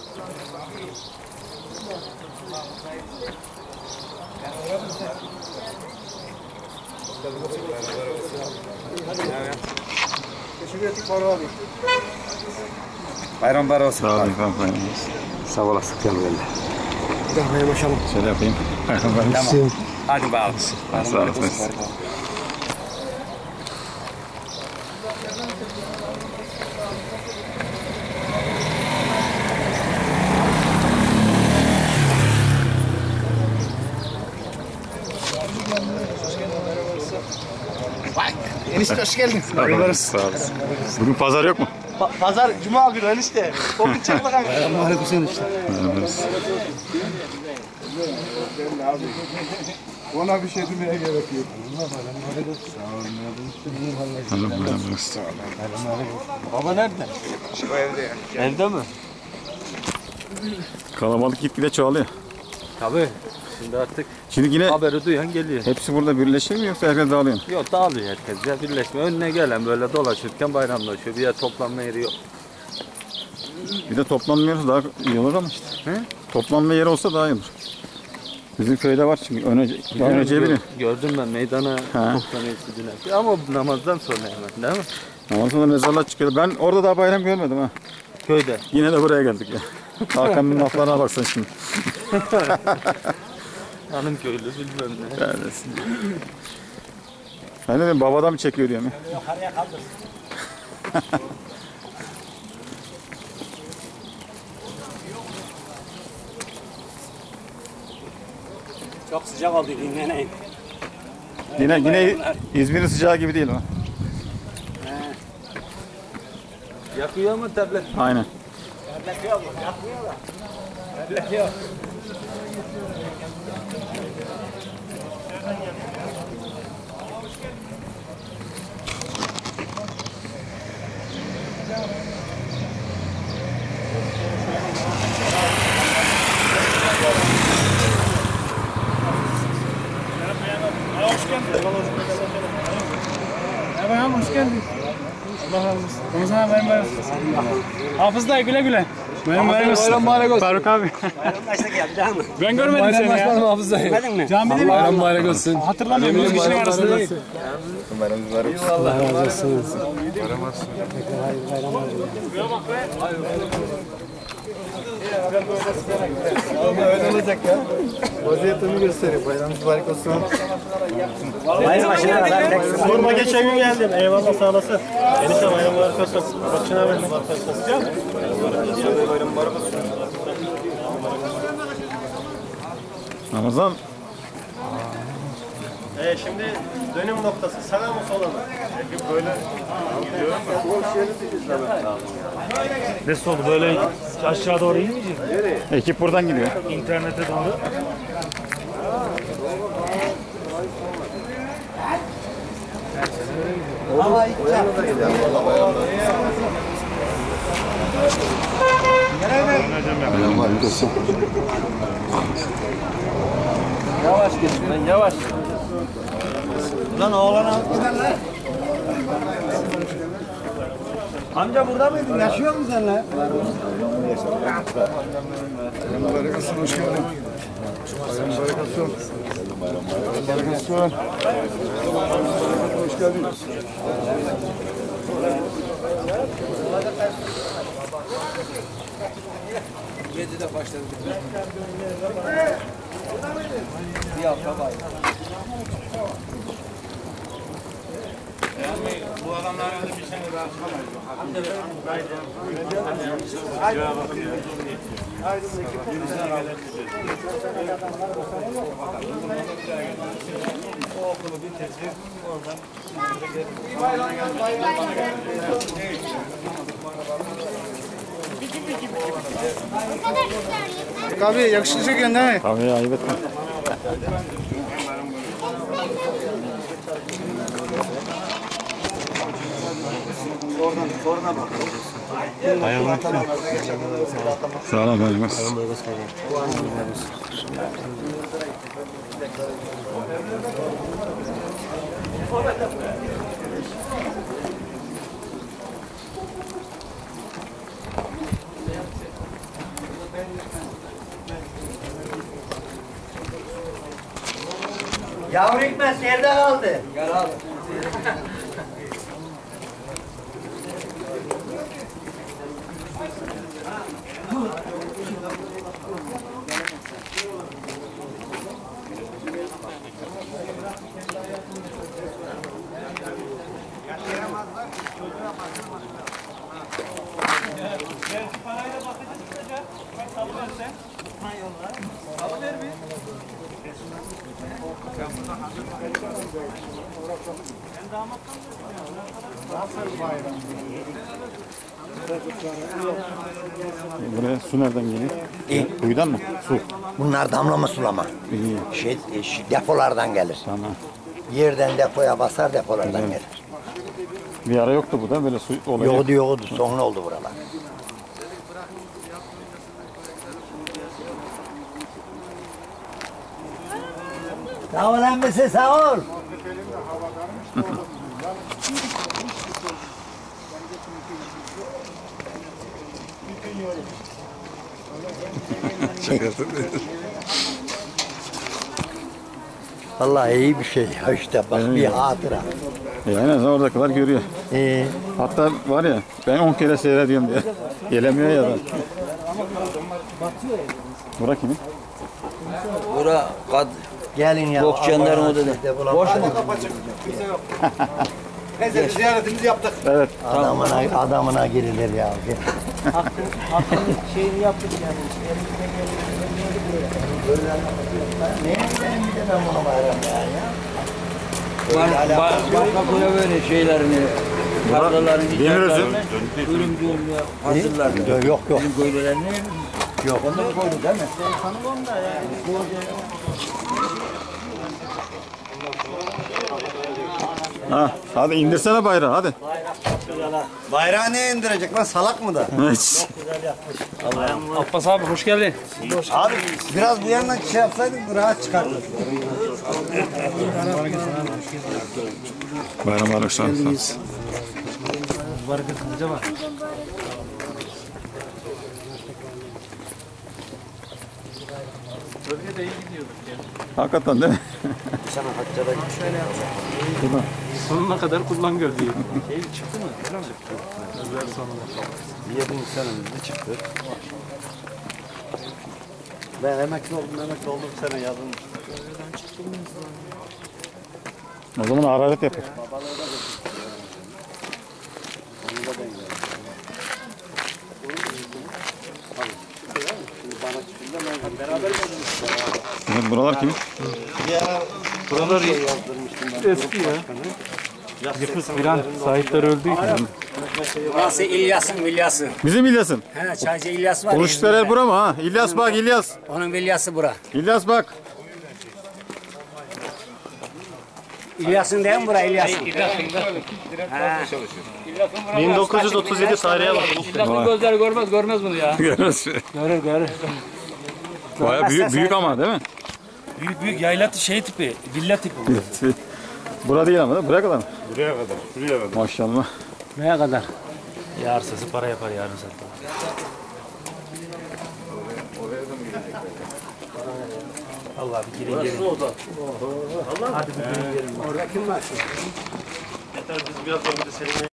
Bayram var olsun. Sağ olun. Sağ olasın. Gel böyle. Bir daha başlayalım. Şöyle yapayım. Tamam. Hadi bakalım. Sağ olasın. Enişte hoş geldin. Sağ olasın. Bugün pazar yok mu? Pazar, cuma günü enişte. O gün çek bakalım. Aleyküm enişte. Ona bir şey demeye gerek yok. Baba nerede? Şu evde ya. Evde mi? Kalabalık gitgide çoğalıyor. Tabii. Şimdi artık Şimdi yine haberi duyan geliyor. hepsi burada birleşir mi yoksa herkes dağılıyor mu? Yok dağılıyor herkes ya birleşme. Önüne gelen böyle dolaşırken bayramlaşıyor. Bir yer toplanma yeri yok. Bir de toplanmıyorsa daha iyi olur ama işte. He? Toplanma yeri olsa daha iyi olur. Bizim köyde var çünkü önce biliyor. Gördüm ben meydana toplanıyor istediler. Ama namazdan sonra hemen değil mi? Ondan sonra mezarlar çıkıyor. Ben orada daha bayram görmedim ha. Köyde. Yine de buraya geldik ya. Hakan'ın laflarına baksana şimdi. Hanım köylü bilmem ne. Neredesin? Ben dedim babadan mı çekiyor diyorum ya. Yukarıya kaldır. Çok sıcak oldu dinleneyin. Yine İzmir'in sıcağı gibi değil ama. Yakıyor ama tablet. Aynen. Tablet yok, yakmıyor da. Tablet yok. Merhaba, hoş geldin. Allah razı olsun. Ramazan bayram bayram. Hafız dayı güle güle. Bayram bayram olsun. Bayram bayram olsun. Faruk abi. Bayram kaçta geldi değil mi? Ben görmedim seni ya. Hafız dayı. Görmedin mi? Camide mi? Bayram bayram olsun. Hatırlamıyorum. 100 kişinin arasında. Bayram mübarek olsun. Allah razı olsun. Bayram olsun. Öyle olacak ya. Vaziyetimi gösteriyor. Bayram mübarek olsun. Bayram başına kadar. Sorma geçen gün geldim. Eyvallah sağ olasın. Enişte bayram mübarek olsun. Bakın abi. Bayram mübarek olsun. Ramazan. Şimdi dönüm noktası sağa mı sola mı? Böyle gidiyorum da. Nasıl oldu böyle aşağı doğru inmeyecek mi? Ekip buradan gidiyor. İnternete doğru. Bayram mübarek olsun. Yavaş git lan yavaş. Lan oğlana giderler. Amca burada mıydın? Yaşıyor musun sen lan? Bayram mübarek olsun. Hoş geldin. Bayram mübarek olsun. Bayram mübarek olsun. Hoş geldin. Yedide başladı. Bir hafta var. Bu adamlar öyle bir şey o okulu bitirdik. Oradan abi yakışacak değil mi? Abi ayıp etme. Soruna bak. Sağ olun. Yavru Hikmet nerede kaldı? Gel al. Buraya su nereden geliyor? Kuyudan mı? Su. Bunlar damlama sulama. İyi. Depolardan gelir. Tamam. Yerden depoya basar, depolardan gelir. Bir ara yoktu bu da böyle su olayı. Yoktu. Sonra oldu buralar. Sağ ol emmisi, sağ ol. Vallahi iyi bir şey ya işte bak bir hatıra. En azından oradakiler görüyor. Hatta var ya ben 10 kere seyrediyorum diye. Gelemiyor ya da. Bura kimin? Bura Gelin ya. Bokçanların o dedi. Boş mu? Neyse ziyaretimizi yaptık. Evet. Adamına girilir ya. Şeyini yaptık yani. Benim bir de ben bunu bayram ya. Bak böyle şeylerini, tarlaların Demiröz'ün ölümcül hazırlar. Yok. Bizim köylülerini Yok. onları koydu değil mi? Ha, hadi indirsene bayrağı hadi. Bayrağı ne indirecek lan salak mı da? Abbas abi hoş geldin. Abi biraz bu yandan şey yapsaydık rahat çıkardık. Bayram arkadaşlar. Baraka kılıca var. Bölgede iyi gidiyorduk ya. Hakikaten değil mi? Sonuna kadar kullan gör diye. Şey çıktı mı? Çıktı. Özel sonunda. 7. senemizde çıktı. Ben emekli oldum sene yazın. O zaman hararet yapar. Evet, buralar kimin? Buralar eski ya. Yıkık filan sahipleri öldü. Burası İlyas'ın. Bizim İlyas'ın. He, Çaycı İlyas var. Oluştular el bura mı ha? İlyas bak İlyas. Onun İlyas'ı bura. İlyas bak. İlyas'ın değil mi bura İlyas'ın? 1937 tarihe bak. Vay. Gözler görmez bunu ya. Görür. Baya büyük ama değil mi? Büyük yayla şey tipi, villa tipi. Bura değil ama değil mi? Buraya kadar mı? Buraya kadar. Şuraya kadar. Maşallah. Neye kadar? Yarsası para yapar yarın satar. Allah bir girin gelin. Hadi bir girin gelin. Orada kim var? Yeter biz biraz önce seninle